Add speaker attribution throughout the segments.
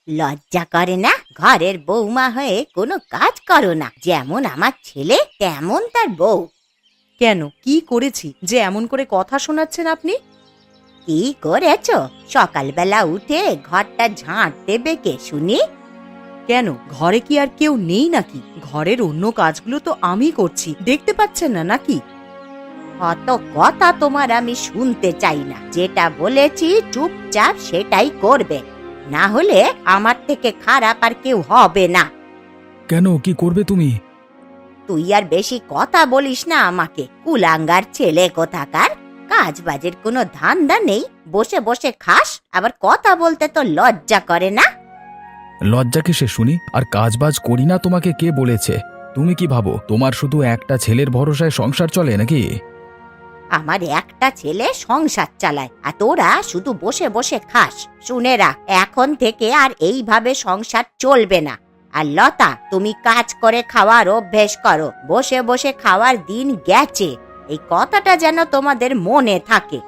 Speaker 1: লজ্জা করে না? ঘরের বৌমা হয়ে কোনো কাজ করো না। যেমন আমার ছেলে তেমন তার বউ।
Speaker 2: কেন, কি করেছি যে এমন করে কথা শোনাচ্ছেন আপনি?
Speaker 1: কি করেছ? সকালবেলা উঠে ঘরটা ঝাঁট দেবে কে শুনি?
Speaker 2: কেন, ঘরে কি আর কেউ নেই নাকি? ঘরের অন্য কাজগুলো তো আমি করছি, দেখতে পাচ্ছেন না নাকি?
Speaker 1: অত কথা তোমার আমি শুনতে চাই না। যেটা বলেছি চুপচাপ সেটাই করবে, না হলে আমার থেকে খারাপ আর কেউ হবে না।
Speaker 3: কেন, কি করবে তুমি?
Speaker 1: তুই আর বেশি কথা বলিস না আমাকে। কুলাঙ্গার ছেলে কোথাকার। কাজ বাজের কোনো ধান্দা নেই, বসে বসে খাস, আবার কথা বলতে তো লজ্জা করে না?
Speaker 3: লজ্জা কিসে শুনি? আর কাজবাজ করি না তোমাকে কে বলেছে? তুমি কি ভাবো তোমার শুধু একটা ছেলের ভরসায় সংসার চলে নাকি?
Speaker 1: আমার একটা ছেলে সংসার চালায়, আর তোরা শুধু বসে বসে খাস। শুনে রাখ, এখন থেকে আর এইভাবে সংসার চলবে না। আর লতা, তুমি কাজ করে খাওয়ার অভ্যেস করো। বসে বসে খাওয়ার দিন গেছে, এই কথাটা যেন তোমাদের মনে থাকে।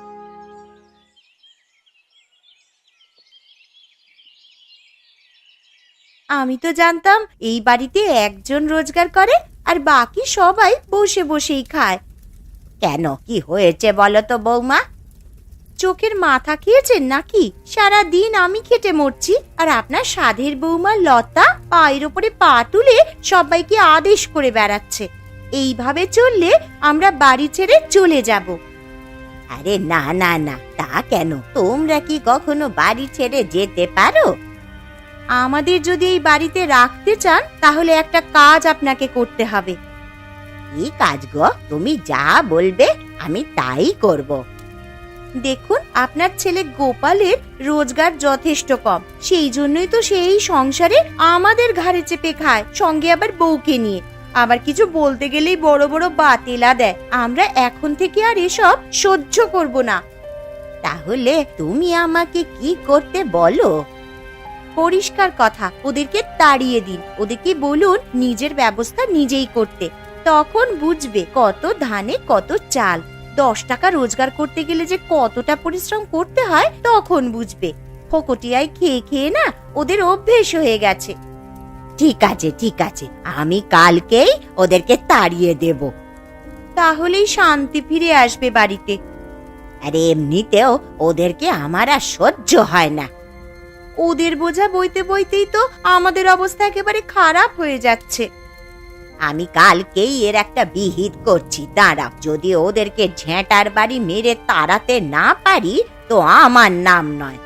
Speaker 2: আমি তো জানতাম এই বাড়িতে একজন রোজগার করে আর বাকি সবাই বসে বসেই খায়।
Speaker 1: কেন, কি হয়েছে বলো তো বৌমা?
Speaker 2: চোখের মাথা খেয়েছেন নাকি? সারা দিন আমি খেটে মরছি, আর আপনার সাধের বৌমা লতা পায়ের ওপরে পা তুলে সবাইকে আদেশ করে বেড়াচ্ছে। এইভাবে চললে আমরা বাড়ি ছেড়ে চলে যাব।
Speaker 1: আরে না না না, তা কেন? তোমরা কি কখনো বাড়ি ছেড়ে যেতে পারো?
Speaker 2: আমাদের যদি এই বাড়িতে রাখতে চান তাহলে একটা কাজ আপনাকে করতে হবে।
Speaker 1: কি কাজ গো? তুমি যা বলবে আমি তাই করব।
Speaker 2: দেখুন, আপনার ছেলে গোপালের রোজগার যথেষ্ট কম, সেই জন্যই তো সেই সংসারে আমাদের ঘাড়ে চেপে খায়, সঙ্গে আবার বউকে নিয়ে। আবার কিছু বলতে গেলেই বড় বড় বাতেলা দেয়। আমরা এখন থেকে আর এসব সহ্য করব না।
Speaker 1: তাহলে তুমি আমাকে কি করতে বলো?
Speaker 2: পরিষ্কার কথা, ওদেরকে তাড়িয়ে দিন। ওদেরকে বলুন নিজের ব্যবস্থা নিজেই করতে। তখন বুঝবে কত ধানে কত চাল। 10 টাকা রোজগার করতে গেলে যে কতটা পরিশ্রম করতে হয় তখন বুঝবে। ফকটিয়ায় খেয়ে খেয়ে না ওদের অভ্যেস হয়ে গেছে।
Speaker 1: ঠিক আছে ঠিক আছে, আমি কালকেই ওদেরকে তাড়িয়ে দেব।
Speaker 2: তাহলেই শান্তি ফিরে আসবে বাড়িতে।
Speaker 1: আরে এমনিতেও ওদেরকে আমার আর সহ্য হয় না।
Speaker 2: ওদের বোঝা বইতে বইতেই তো আমাদের অবস্থা একেবারে খারাপ হয়ে যাচ্ছে।
Speaker 1: আমি কালকেই এর একটা বিহিত করছি, দাঁড়াও। যদি ওদেরকে ঝেঁটার বাড়ি মেরে তাড়াতে না পারি তো আমার নাম নয়।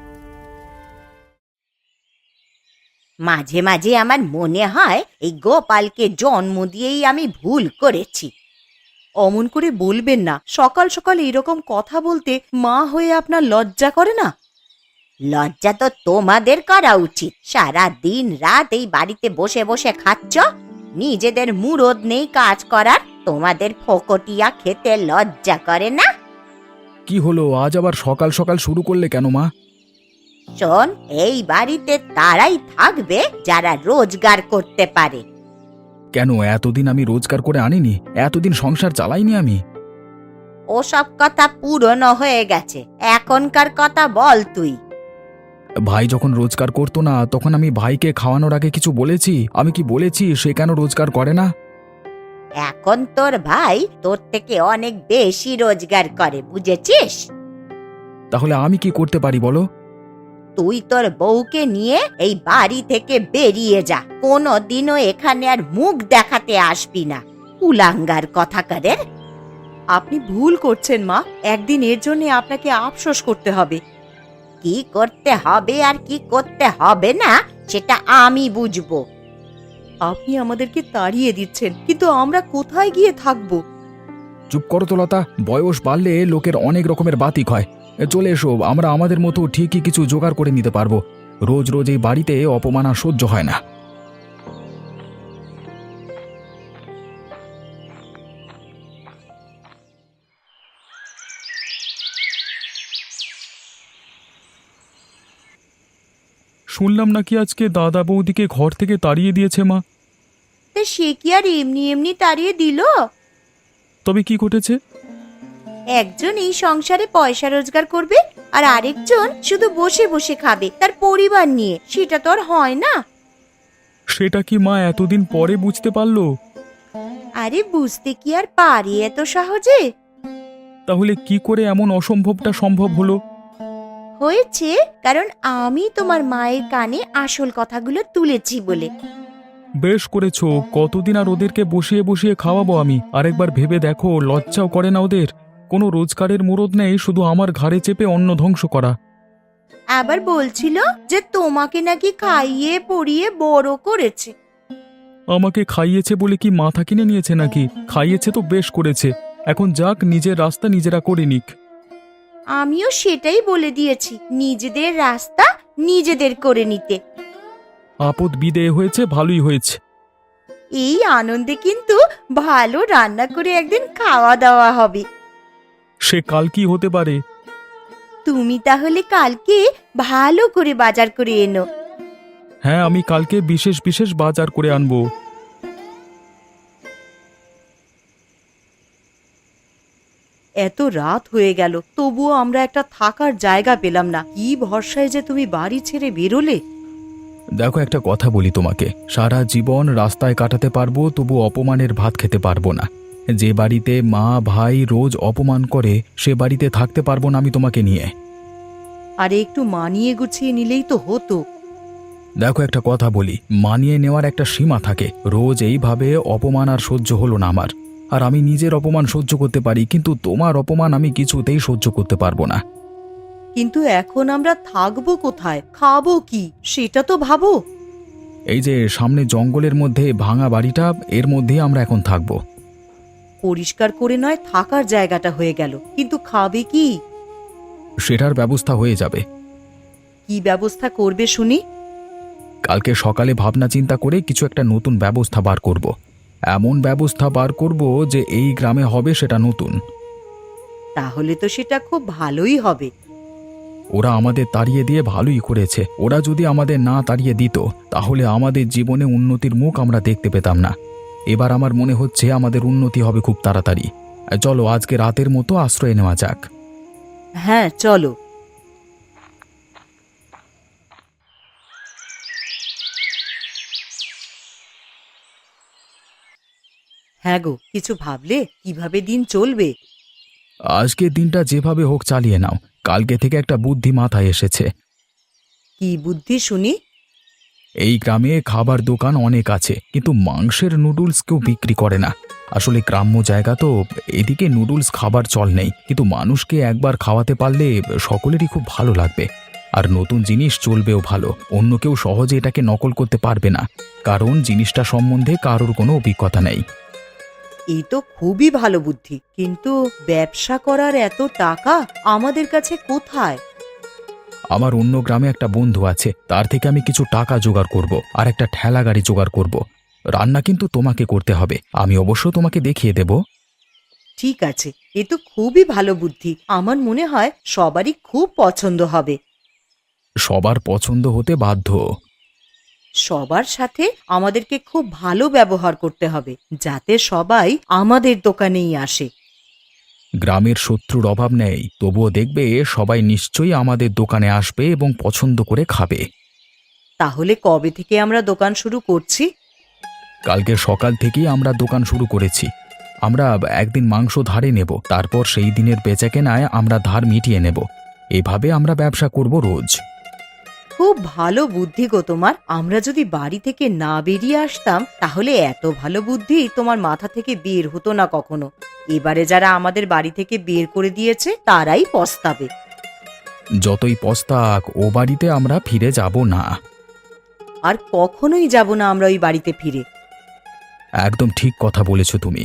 Speaker 1: মাঝে মাঝে আমার মনে হয় এই গোপালকে জন্ম দিয়েই আমি ভুল করেছি।
Speaker 2: অমন করে বলবেন না। সকাল সকাল এরকম কথা বলতে মা হয়ে আপনার লজ্জা করে না?
Speaker 1: লজ্জা তো তোমাদের করা উচিত। সারা দিন রাত এই বাড়িতে বসে বসে খাচ্ছ, নিজেদের মুরদ নেই কাজ করার। তোমাদের ফকটিয়া খেতে লজ্জা করে না?
Speaker 3: কি হলো, আজ আবার সকাল সকাল শুরু করলে কেন মা?
Speaker 1: শোন, এই বাড়িতে তারাই থাকবে যারা রোজগার করতে পারে।
Speaker 3: কেন, এতদিন আমি রোজগার করে আনিনি? এতদিন সংসার চালাইনি আমি?
Speaker 1: ওসব কথা পুরনো হয়ে গেছে, এখনকার কথা বল তুই।
Speaker 3: ভাই যখন রোজগার করতো না তখন আমি ভাইকে খাওয়ানোর আগে কিছু বলেছি? আমি কি বলেছি সে কেন রোজগার করে না?
Speaker 1: এখন তোর ভাই তোর থেকে অনেক বেশি রোজগার করে, বুঝেছিস?
Speaker 3: তাহলে আমি কি করতে পারি বলো?
Speaker 1: তুই তোর বউকে নিয়ে এই বাড়ি থেকে বেরিয়ে যা। কোনোদিনও এখানে আর মুখ দেখাতে আসবি না, কুলাঙ্গার কথাকারের।
Speaker 2: আপনি ভুল করছেন মা। একদিন এর জন্য আপনাকে আফসোস করতে হবে।
Speaker 1: কি করতে হবে আর কি করতে হবে না সেটা আমি বুঝবো।
Speaker 2: আপনি আমাদেরকে তাড়িয়ে দিচ্ছেন, কিন্তু আমরা কোথায় গিয়ে থাকবো?
Speaker 3: চুপ করো তো লতা, বয়স বাড়লে লোকের অনেক রকমের বাতিক হয়। চলে এসো, আমরা আমাদের মতো ঠিকই কিছু জোগাড় করে নিতে পারবো। রোজ রোজ এই বাড়িতে অপমান আর সহ্য হয় না। শুনলাম নাকি আজকে দাদা বৌদিকে ঘর থেকে তাড়িয়ে দিয়েছে মা।
Speaker 2: তা সে কি আর এমনি এমনি তাড়িয়ে দিল?
Speaker 3: তবে কি ঘটেছে?
Speaker 2: একজন এই সংসারে পয়সা রোজগার করবে, আর আরেকজন শুধু বসে বসে খাবে তার পরিবার নিয়ে, সেটা তো আর হয় না।
Speaker 3: সেটা কি মা এতদিন পরে বুঝতে পারলো?
Speaker 2: আরে বুঝতে কি আর পারি এত সহজে?
Speaker 3: তাহলে কি করে এমন অসম্ভবটা সম্ভব হলো?
Speaker 2: হয়েছে কারণ আমি তোমার মায়ের কানে আসল কথাগুলো তুলেছি বলে।
Speaker 3: বেশ করেছো। কতদিন আর ওদেরকে বসিয়ে বসিয়ে খাওয়াবো আমি? আরেকবার ভেবে দেখো, লজ্জাও করে না ওদের? কোনো রোজগারের মুরদ নেই, শুধু আমার ঘাড়ে চেপে অন্ন ধ্বংস করা।
Speaker 2: আবার বলছিল যে তোমাকে নাকি খাইয়ে পড়িয়ে বড় করেছে।
Speaker 3: আমাকে খাইয়েছে বলে কি মাথা কিনে নিয়েছে নাকি? খাইয়েছে তো বেশ করেছে। এখন যাক, নিজের রাস্তা নিজেরা করে নিক।
Speaker 2: আমিও সেটাই বলে দিয়েছি, নিজেদের রাস্তা নিজেদের করে নিতে।
Speaker 3: আপদ বিদেয় হয়েছে, ভালোই হয়েছে।
Speaker 2: এই আনন্দে কিন্তু ভালো রান্না করে একদিন খাওয়া দাওয়া হবে।
Speaker 3: সে কাল কি হতে পারে?
Speaker 2: তুমি তাহলে কালকে ভালো করে বাজার করে এনো।
Speaker 3: হ্যাঁ, আমি কালকে বিশেষ বিশেষ বাজার করে আনবো।
Speaker 2: এত রাত হয়ে গেল, তবুও আমরা একটা থাকার জায়গা পেলাম না। কি ভরসায় যে তুমি বাড়ি ছেড়ে বেরোলে।
Speaker 3: দেখো, একটা কথা বলি তোমাকে, সারা জীবন রাস্তায় কাটাতে পারবো, তবু অপমানের ভাত খেতে পারবো না। যে বাড়িতে মা ভাই রোজ অপমান করে, সে বাড়িতে থাকতে পারবো না আমি তোমাকে নিয়ে।
Speaker 2: আরে একটু মানিয়ে গুছিয়ে নিলেই তো হতো।
Speaker 3: দেখো, একটা কথা বলি, মানিয়ে নেওয়ার একটা সীমা থাকে। রোজ এইভাবে অপমান আর সহ্য হলো না আমার। আর আমি নিজের অপমান সহ্য করতে পারি, কিন্তু তোমার অপমান আমি কিছুতেই সহ্য করতে পারবো না।
Speaker 2: কিন্তু এখন আমরা থাকবো কোথায়, খাবো কি, সেটা তো ভাবো।
Speaker 3: এই যে সামনে জঙ্গলের মধ্যে ভাঙা বাড়িটা, এর মধ্যেই আমরা এখন থাকবো।
Speaker 2: পরিষ্কার করে নয় থাকার জায়গাটা হয়ে গেল, কিন্তু খাবে কি?
Speaker 3: সেটার ব্যবস্থা হয়ে যাবে।
Speaker 2: কি ব্যবস্থা করবে শুনি?
Speaker 3: কালকে সকালে ভাবনা চিন্তা করে কিছু একটা নতুন ব্যবস্থা বার করব। এমন ব্যবস্থা বার করব যে এই গ্রামে হবে সেটা নতুন।
Speaker 2: তাহলে তো সেটা খুব ভালোই হবে।
Speaker 3: ওরা আমাদের তাড়িয়ে দিয়ে ভালোই করেছে। ওরা যদি আমাদের না তাড়িয়ে দিত, তাহলে আমাদের জীবনে উন্নতির মুখ আমরা দেখতে পেতাম না। এবার আমার মনে হচ্ছে আমাদের উন্নতি হবে খুব তাড়াতাড়ি। চলো, আজকে রাতের মতো আশ্রয় নেওয়া যাক।
Speaker 2: হ্যাঁ চলো। হ্যাঁ গো, কিছু ভাবলে কিভাবে দিন চলবে?
Speaker 3: আজকের দিনটা যেভাবে হোক চালিয়ে নাও। কালকে থেকে একটা বুদ্ধি মাথায় এসেছে।
Speaker 2: কি বুদ্ধি শুনি?
Speaker 3: এই গ্রামে খাবার দোকান অনেক আছে, কিন্তু মাংসের নুডলস কেউ বিক্রি করে না। আসলে গ্রাম্য জায়গা তো, এদিকে নুডলস খাবার চল নেই, কিন্তু মানুষকে একবার খাওয়াতে পারলে সকলেরই খুব ভালো লাগবে। আর নতুন জিনিস চলবেও ভালো। অন্য কেউ সহজে এটাকে নকল করতে পারবে না, কারণ জিনিসটা সম্বন্ধে কারোর কোনো অভিজ্ঞতা নেই।
Speaker 2: এই তো খুবই ভালো বুদ্ধি, কিন্তু ব্যবসা করার এত টাকা আমাদের কাছে কোথায়?
Speaker 3: আমার অন্য গ্রামে একটা বন্ধু আছে, তার থেকে আমি কিছু টাকা জোগাড় করব, আর একটা ঠেলা গাড়ি জোগাড় করব। রান্না কিন্তু তোমাকে করতে হবে, আমি অবশ্য তোমাকে দেখিয়ে দেব।
Speaker 2: ঠিক আছে, এ তো খুবই ভালো বুদ্ধি। আমার মনে হয় সবারই খুব পছন্দ হবে।
Speaker 3: সবার পছন্দ হতে বাধ্য।
Speaker 2: সবার সাথে আমাদেরকে খুব ভালো ব্যবহার করতে হবে, যাতে সবাই আমাদের দোকানেই আসে।
Speaker 3: গ্রামের শত্রুর অভাব নেই, তবুও দেখবে সবাই নিশ্চয়ই আমাদের দোকানে আসবে এবং পছন্দ করে খাবে।
Speaker 2: তাহলে কবে থেকে আমরা দোকান শুরু করছি?
Speaker 3: কালকে সকাল থেকেই আমরা দোকান শুরু করেছি। আমরা একদিন মাংস ধারে নেব, তারপর সেই দিনের বেচাকেনায় আমরা ধার মিটিয়ে নেব। এভাবে আমরা ব্যবসা করব রোজ।
Speaker 2: খুব ভালো বুদ্ধি গো তোমার। আমরা যদি বাড়ি থেকে না বেরিয়ে আসতাম, তাহলে এত ভালো বুদ্ধি তোমার মাথা থেকে বের হতো না কখনো। এবারে যারা আমাদের বাড়ি থেকে বের করে দিয়েছে তারাই পস্তাবে।
Speaker 3: যতই পস্তাক, ও বাড়িতে আমরা ফিরে যাব না।
Speaker 2: আর কখনোই যাব না আমরা ওই বাড়িতে ফিরে।
Speaker 3: একদম ঠিক কথা বলেছ তুমি।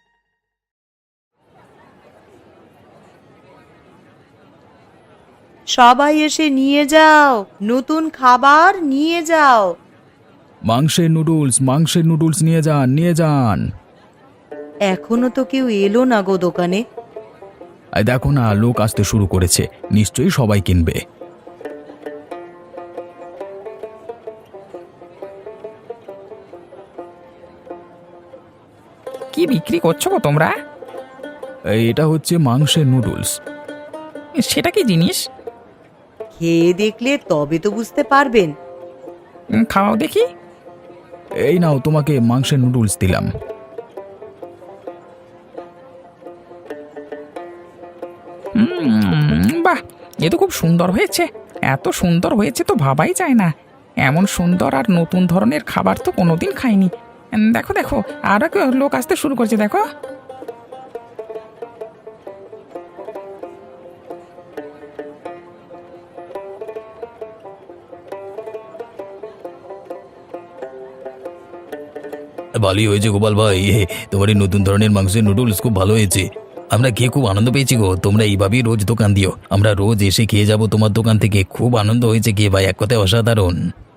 Speaker 2: সবাই এসে নিয়ে যাও, নতুন খাবার নিয়ে যাও।
Speaker 3: মাংসের নুডলস নিয়ে যান, নিয়ে যান।
Speaker 2: এখনো তো কেউ এলো না গো দোকানে।
Speaker 3: এই দেখো না, লোক আসতে শুরু করেছে, নিশ্চয়ই সবাই কিনবে।
Speaker 4: কি বিক্রি করছো গো তোমরা?
Speaker 3: এটা হচ্ছে মাংসের নুডলস।
Speaker 4: সেটা কি জিনিস?
Speaker 2: খেয়ে দেখলে তবে তো বুঝতে পারবেন।
Speaker 3: খাওয়াও দেখি। এই নাও, তোমাকে মাংসের নুডলস দিলাম। বাহ, এ তো খুব সুন্দর হয়েছে। এত সুন্দর হয়েছে তো ভাবাই যায় না। এমন সুন্দর আর নতুন ধরনের খাবার তো কোনোদিন খাইনি। দেখো দেখো, আর লোক আসতে শুরু করছে, দেখো।
Speaker 4: ভালোই হয়েছে গোপাল ভাই, তোমার এই নতুন ধরনের মাংসের নুডলস খুব ভালো হয়েছে। আমরা খেয়ে খুব আনন্দ পেয়েছি গো। তোমরা এইভাবেই রোজ দোকান দিও, আমরা রোজ এসে খেয়ে যাব তোমার দোকান থেকে। খুব আনন্দ হয়েছে খেয়ে ভাই, এক কথায় অসাধারণ।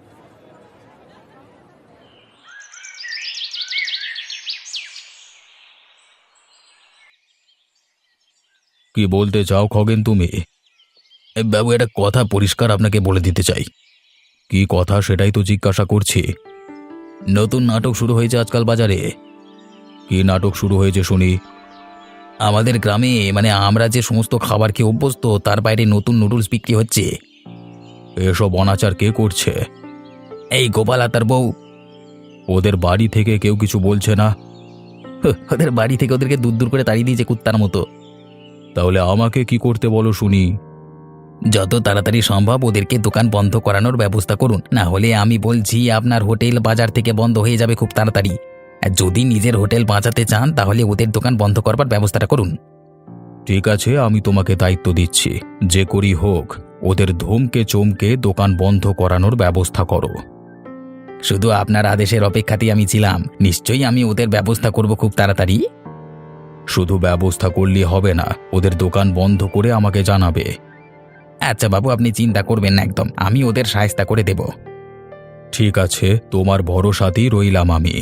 Speaker 3: কি বলতে চাও খগেন তুমি?
Speaker 4: বাবু, একটা কথা পরিষ্কার আপনাকে বলে দিতে চাই।
Speaker 3: কি কথা সেটাই তো জিজ্ঞাসা করছি।
Speaker 4: নতুন নাটক শুরু হয়েছে আজকাল বাজারে।
Speaker 3: কি নাটক শুরু হয়েছে শুনি?
Speaker 4: আমাদের গ্রামে, মানে আমরা যে সমস্ত খাবার খেয়ে অভ্যস্ত, তার বাইরে নতুন নুডলস বিক্রি হচ্ছে।
Speaker 3: এসব অনাচার কে করছে?
Speaker 4: এই গোপাল আর তার বউ।
Speaker 3: ওদের বাড়ি থেকে কেউ কিছু বলছে না?
Speaker 4: ওদের বাড়ি থেকে ওদেরকে দূর দূর করে তাড়িয়ে দিয়েছে কুত্তার মতো।
Speaker 3: তাহলে আমাকে কি করতে বলো শুনি?
Speaker 4: যত তাড়াতাড়ি সম্ভব ওদেরকে দোকান বন্ধ করানোর ব্যবস্থা করুন, না হলে আমি বলছি আপনার হোটেল বাজার থেকে বন্ধ হয়ে যাবে খুব তাড়াতাড়ি। আর যদি নিজের হোটেল বাঁচাতে চান তাহলে ওদের দোকান বন্ধ করবার ব্যবস্থাটা করুন।
Speaker 3: ঠিক আছে, আমি তোমাকে দায়িত্ব দিচ্ছি। যে করি হোক, ওদের ধমকে চমকে দোকান বন্ধ করানোর ব্যবস্থা করো।
Speaker 4: শুধু আপনার আদেশের অপেক্ষাতেই আমি ছিলাম। নিশ্চয়ই আমি ওদের ব্যবস্থা করব খুব তাড়াতাড়ি।
Speaker 3: শুধু ব্যবস্থা করলে হবে না, ওদের দোকান বন্ধ করে আমাকে জানাবে।
Speaker 4: আচ্ছা বাবু, আপনি চিন্তা করবেন না, একদম আমি ওদের সাহায্য করে দেব।
Speaker 3: ঠিক আছে, তোমার ভরসাতেই রইলাম আমি।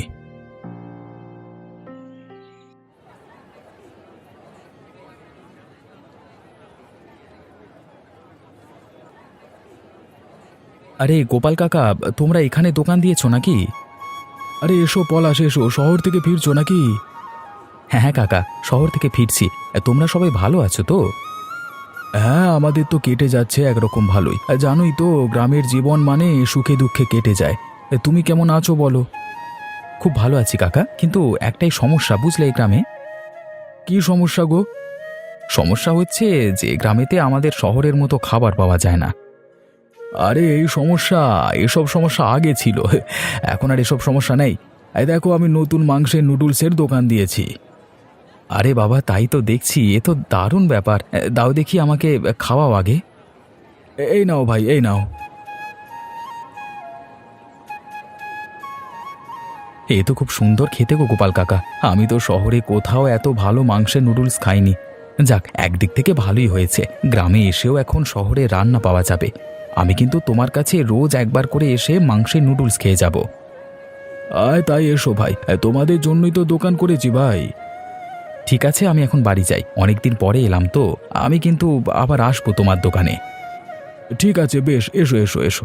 Speaker 3: আরে গোপাল কাকা, তোমরা এখানে দোকান দিয়েছো নাকি? আরে এসো পলাশ, এসো। শহর থেকে ফিরছো নাকি? হ্যাঁ হ্যাঁ কাকা, শহর থেকে ফিরছি। তোমরা সবাই ভালো আছো তো? হ্যাঁ, আমাদের তো কেটে যাচ্ছে একরকম ভালোই। জানোই তো, গ্রামের জীবন মানে সুখে দুঃখে কেটে যায়। তুমি কেমন আছো বলো? খুব ভালো আছি কাকা, কিন্তু একটাই সমস্যা বুঝলে এই গ্রামে। কি সমস্যা গো? সমস্যা হচ্ছে যে গ্রামেতে আমাদের শহরের মতো খাবার পাওয়া যায় না। আরে এই সমস্যা, এসব সমস্যা আগে ছিল, এখন আর এসব সমস্যা নেই। এই দেখো, আমি নতুন মাংসের নুডলসের দোকান দিয়েছি। আরে বাবা, তাই তো দেখছি, এ তো দারুণ ব্যাপার। দাও দেখি, আমাকে খাওয়াও আগে। এই নাও ভাই, এই নাও। এ তো খুব সুন্দর খেতে গো গোপাল কাকা। আমি তো শহরে কোথাও এত ভালো মাংসের নুডলস খাইনি। যাক, একদিক থেকে ভালোই হয়েছে, গ্রামে এসেও এখন শহরে রান্না পাওয়া যাবে। আমি কিন্তু তোমার কাছে রোজ একবার করে এসে মাংসের নুডলস খেয়ে যাব। আয় তাই, এসো ভাই, তোমাদের জন্যই তো দোকান করেছি ভাই। ঠিক আছে, আমি এখন বাড়ি যাই, অনেকদিন পরে এলাম তো। আমি কিন্তু আবার আসবো তোমার দোকানে। ঠিক আছে, বেশ, এসো এসো এসো।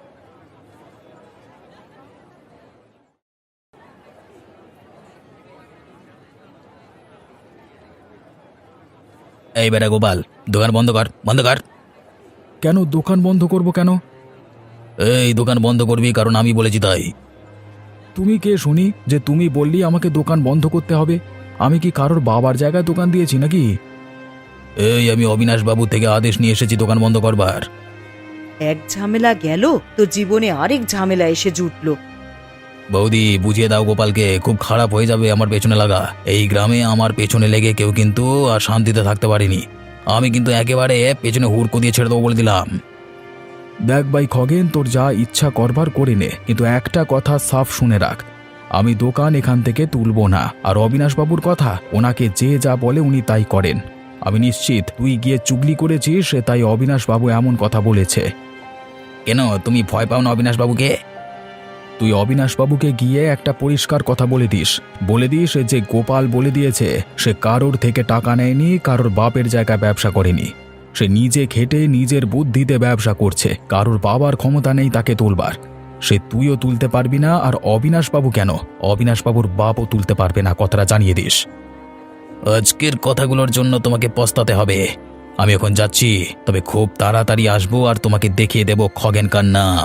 Speaker 4: এই বেটা গোপাল, দোকান বন্ধ কর, বন্ধ কর।
Speaker 3: কেন দোকান বন্ধ করব কেন?
Speaker 4: এই দোকান বন্ধ করবি কারণ আমি বলেছি তাই।
Speaker 3: তুমি কে শুনি যে তুমি বললি আমাকে দোকান বন্ধ করতে হবে? আমি কি কারোর বাবার জায়গায় দোকান দিয়েছি নাকি?
Speaker 4: এই আমি অবিনাশ বাবু থেকে আদেশ নিয়ে এসেছি দোকান বন্ধ করবার।
Speaker 2: এক ঝামেলা গেল তো জীবনে আরেক ঝামেলা এসে জুটলো।
Speaker 4: বৌদি, বুঝিয়ে দাও গোপালকে, খুব খারাপ হয়ে যাবে আমার পেছনে লাগা। এই গ্রামে আমার পেছনে লেগে কেউ কিন্তু আর শান্তিতে থাকতে পারেনি। আমি কিন্তু একেবারে পেছনে হুড়কো দিয়ে ছেড়ে দেবো বলে দিলাম।
Speaker 3: দেখ ভাই খগেন, তোর যা ইচ্ছা করবার করে নে, কিন্তু একটা কথা সাফ শুনে রাখ, আমি দোকান এখান থেকে তুলব না। আর অবিনাশবাবুর কথা, ওনাকে যে যা বলে উনি তাই করেন। আমি নিশ্চিত তুই গিয়ে চুগলি করেছিস, তাই অবিনাশবাবু এমন কথা বলেছে।
Speaker 4: কেন, তুমি ভয় পাও না অবিনাশ বাবুকে?
Speaker 3: তুই অবিনাশবাবুকে গিয়ে একটা পরিষ্কার কথা বলে দিস যে গোপাল বলে দিয়েছে সে কারোর থেকে টাকা নেয়নি, কারোর বাপের জায়গায় ব্যবসা করেনি। সে নিজে খেটে নিজের বুদ্ধিতে ব্যবসা করছে, কারোর বাবার ক্ষমতা নেই তাকে তুলবার। সে তুইও তুলতে পারবি না, আর অবিনাশবাবু কেন, অবিনাশবাবুর বাপও তুলতে পারবে না, কথাটা জানিয়ে দিস।
Speaker 4: আজকের কথাগুলোর জন্য তোমাকে পস্তাতে হবে। আমি এখন যাচ্ছি, তবে খুব তাড়াতাড়ি আসবো আর তোমাকে দেখিয়ে দেব খগেনকার নাম।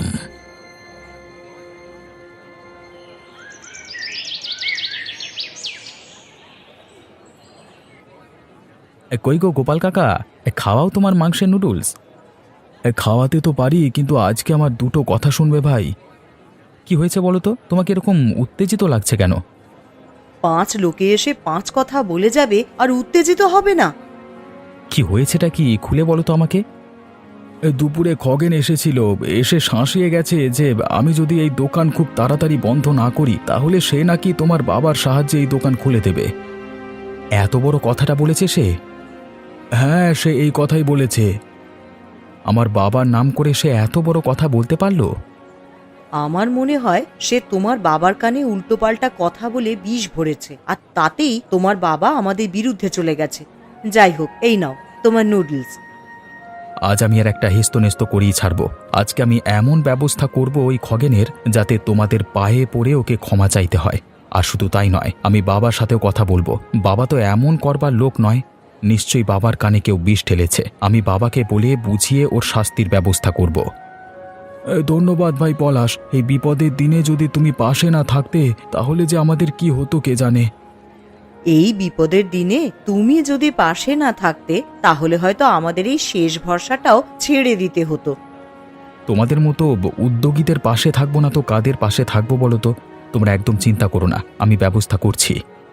Speaker 3: কই গো গোপাল কাকা, খাওয়াও তোমার মাংসের নুডলস। খাওয়াতে তো পারি, কিন্তু আজকে আমার দুটো কথা শুনবে ভাই। কি হয়েছে বলো তো, তোমাকে এরকম উত্তেজিত লাগছে কেন?
Speaker 2: 5 লোকে এসে 5 কথা বলে যাবে আর উত্তেজিত হবে না?
Speaker 3: কি হয়েছেটা কি খুলে বলো তো আমাকে। দুপুরে খগেন এসেছিল, এসে শাঁসিয়ে গেছে যে আমি যদি এই দোকান খুব তাড়াতাড়ি বন্ধ না করি তাহলে সে নাকি তোমার বাবার সাহায্যে এই দোকান খুলে দেবে। এত বড় কথাটা বলেছে সে? হ্যাঁ, সে এই কথাই বলেছে। আমার বাবার নাম করে সে এত বড় কথা বলতে পারলো?
Speaker 2: আমার মনে হয় সে তোমার বাবার কানে উল্টোপাল্টা কথা বলে বিষ ভরেছে, আর তাতেই তোমার বাবা আমাদের বিরুদ্ধে চলে গেছে। যাই হোক, এই নাও তোমার নুডলস।
Speaker 3: আজ আমি আর একটা হেস্তনেস্ত করেই ছাড়ব। আজকে আমি এমন ব্যবস্থা করব ওই খগেনের, যাতে তোমাদের পায়ে পড়ে ওকে ক্ষমা চাইতে হয়। আর শুধু তাই নয়, আমি বাবার সাথেও কথা বলবো। বাবা তো এমন করবার লোক নয়। নিশ্চয়ই বাবার কানে কেউ বিষ ঢেলেছে। আমি বাবাকে বলে বুঝিয়ে ওর শাস্তির ব্যবস্থা করব। ধন্যবাদ ভাই পলাশ। এই বিপদের দিনে যদি তুমি পাশে না থাকতে তাহলে যে আমাদের কি হতো কে জানে।
Speaker 2: এই বিপদের দিনে তুমি যদি পাশে না থাকতে তাহলে হয়তো আমাদের এই শেষ ভরসাটাও ছেড়ে দিতে হতো।
Speaker 3: তোমাদের মতো উদ্যোগীদের পাশে থাকবো না তো কাদের পাশে থাকবো বলো তো? তোমরা একদম চিন্তা করো না, আমি ব্যবস্থা করছি।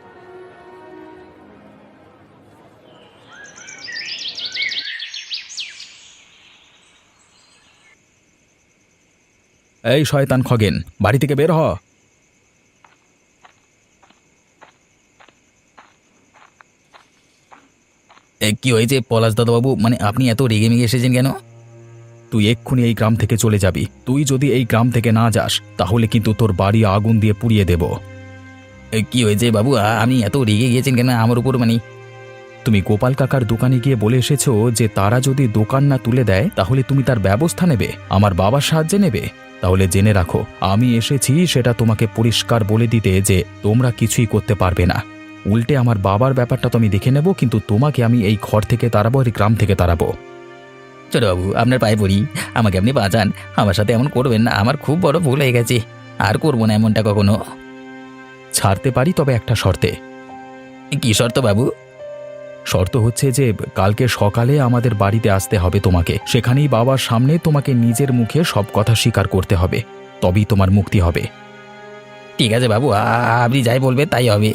Speaker 3: এই শয়তান খগেন, বাড়ি থেকে বের হ।
Speaker 4: কি হয়েছে পলাশ দাদাবাবু, মানে আপনি এত রেগে মেগে এসেছেন কেন?
Speaker 3: তুই এক্ষুনি এই গ্রাম থেকে চলে যাবি। তুই যদি এই গ্রাম থেকে না যাস তাহলে কিন্তু তোর বাড়ি আগুন দিয়ে পুড়িয়ে দেব।
Speaker 4: কি হয়েছে বাবু, আপনি এত রেগে গিয়েছেন কেন আমার উপর? মানে
Speaker 3: তুমি গোপাল কাকার দোকানে গিয়ে বলে এসেছো যে তারা যদি দোকান না তুলে দেয় তাহলে তুমি তার ব্যবস্থা নেবে, আমার বাবার সাহায্যে নেবে। তাহলে জেনে রাখো, আমি এসেছি সেটা তোমাকে পরিষ্কার বলে দিতে যে তোমরা কিছুই করতে পারবে না। উল্টে আমার বাবার ব্যাপারটা তো আমি দেখে নেব, কিন্তু তোমাকে আমি এই ঘর থেকে তাড়াবো, এই গ্রাম থেকে তাড়াবো।
Speaker 4: ছোট বাবু, আপনার পায়ে পড়ি, আমাকে আপনি বাঁচান। আমার সাথে এমন করবেন না, আমার খুব বড় ভুল হয়ে গেছে। আর করবো না এমনটা কখনো।
Speaker 3: ছাড়তে পারি, তবে একটা শর্তে।
Speaker 4: কি শর্ত বাবু?
Speaker 3: শর্ত হচ্ছে যে কালকে সকালে আমাদের বাড়িতে আসতে হবে তোমাকে। সেখানেই বাবার সামনে তোমাকে নিজের মুখে সব কথা স্বীকার করতে হবে, তবেই তোমার মুক্তি হবে।
Speaker 4: ঠিক আছে বাবু, আপনি যাই বলবেন তাই হবে।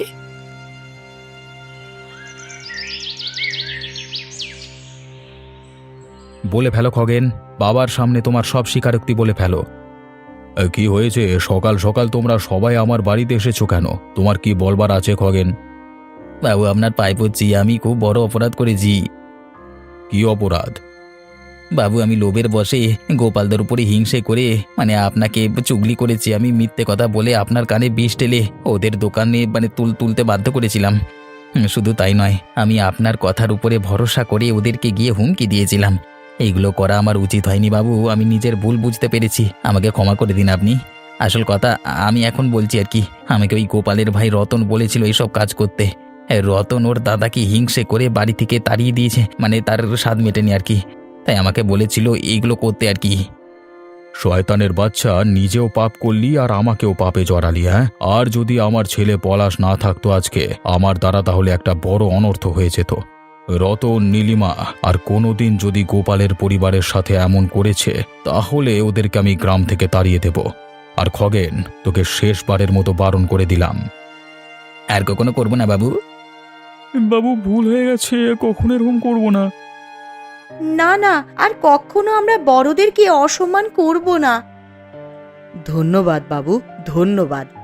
Speaker 3: বলে ফেলো খগেন, বাবার সামনে তোমার সব স্বীকারোক্তি বলে ফেলো। কি হয়েছে, সকাল সকাল তোমরা সবাই আমার বাড়িতে এসেছো কেন? তোমার কি বলবার আছে খগেন?
Speaker 4: বাবু আপনার পায়ে পড়ছি, আমি খুব বড় অপরাধ করেছি।
Speaker 3: কি অপরাধ?
Speaker 4: বাবু আমি লোভের বশে গোপালদের উপরে হিংসে করে আপনাকে চুগলি করেছি। আমি মিথ্যে কথা বলে আপনার কানে বিষ ঢেলে ওদের দোকানে তুলতে বাধ্য করেছিলাম। শুধু তাই নয়, আমি আপনার কথার উপরে ভরসা করে ওদেরকে গিয়ে হুমকি দিয়েছিলাম। এইগুলো করা আমার উচিত হয়নি বাবু, আমি নিজের ভুল বুঝতে পেরেছি, আমাকে ক্ষমা করে দিন আপনি। আসল কথা আমি এখন বলছি আর কি, আমাকে ওই গোপালের ভাই রতন বলেছিল এইসব কাজ করতে। রতন ওর দাদাকে হিংসে করে বাড়ি থেকে তাড়িয়ে দিয়েছে, তার স্বাদ মেটেনি আর কি, তাই আমাকে বলেছিল এইগুলো করতে আর কি।
Speaker 3: শয়তানের বাচ্চা, নিজেও পাপ করলি আর আমাকেও পাপে জড়ালি। হ্যাঁ, আর যদি আমার ছেলে পলাশ না থাকতো আজকে আমার দ্বারা, তাহলে একটা বড় অনর্থ হয়ে যেত। রতন, নীলিমা আর কোনোদিন যদি গোপালের পরিবারের সাথে এমন করেছে তাহলে ওদেরকে আমি গ্রাম থেকে তাড়িয়ে দেব। আর খগেন, তোকে শেষবারের মতো বারণ করে দিলাম।
Speaker 4: আর কখনো করবো না বাবু।
Speaker 3: বাবু, ভুল হয়ে গেছে, কখনো এরকম করব না।
Speaker 2: না না, আর কখনো আমরা বড়দেরকে অসম্মান করব না। ধন্যবাদ বাবু, ধন্যবাদ।